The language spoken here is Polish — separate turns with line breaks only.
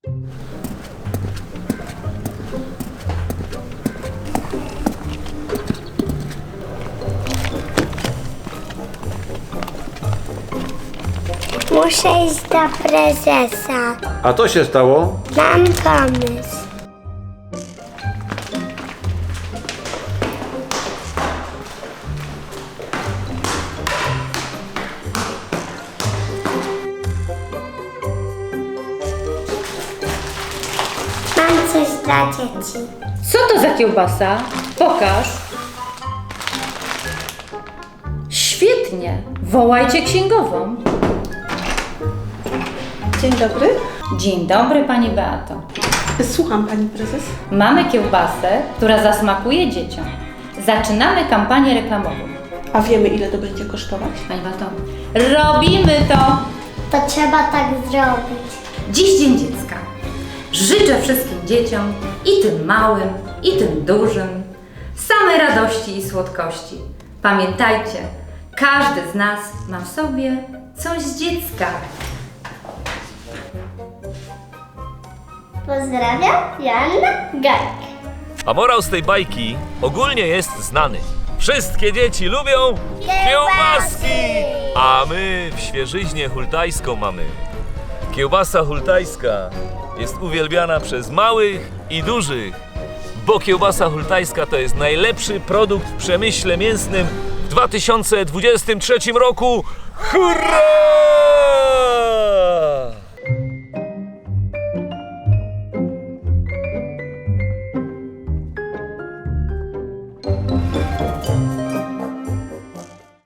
Muszę iść do prezesa.
A co się stało?
Mam pomysł. Mam coś dla dzieci.
Co to za kiełbasa? Pokaż. Świetnie. Wołajcie księgową.
Dzień dobry.
Dzień dobry, pani Beato.
Słucham, pani prezes.
Mamy kiełbasę, która zasmakuje dzieciom. Zaczynamy kampanię reklamową.
A wiemy, ile to będzie kosztować?
Pani Beato, robimy to!
To trzeba tak zrobić.
Dziś Dzień Dziecka. Życzę wszystkim dzieciom, i tym małym, i tym dużym, samej radości i słodkości. Pamiętajcie, każdy z nas ma w sobie coś z dziecka.
Pozdrawiam, Joanna Gajk.
A morał z tej bajki ogólnie jest znany. Wszystkie dzieci lubią kiełbaski! A my w Świeżyźnie Hultajską mamy. Kiełbasa hultajska jest uwielbiana przez małych i dużych, bo kiełbasa hultajska to jest najlepszy produkt w przemyśle mięsnym w 2023 roku. Hurra!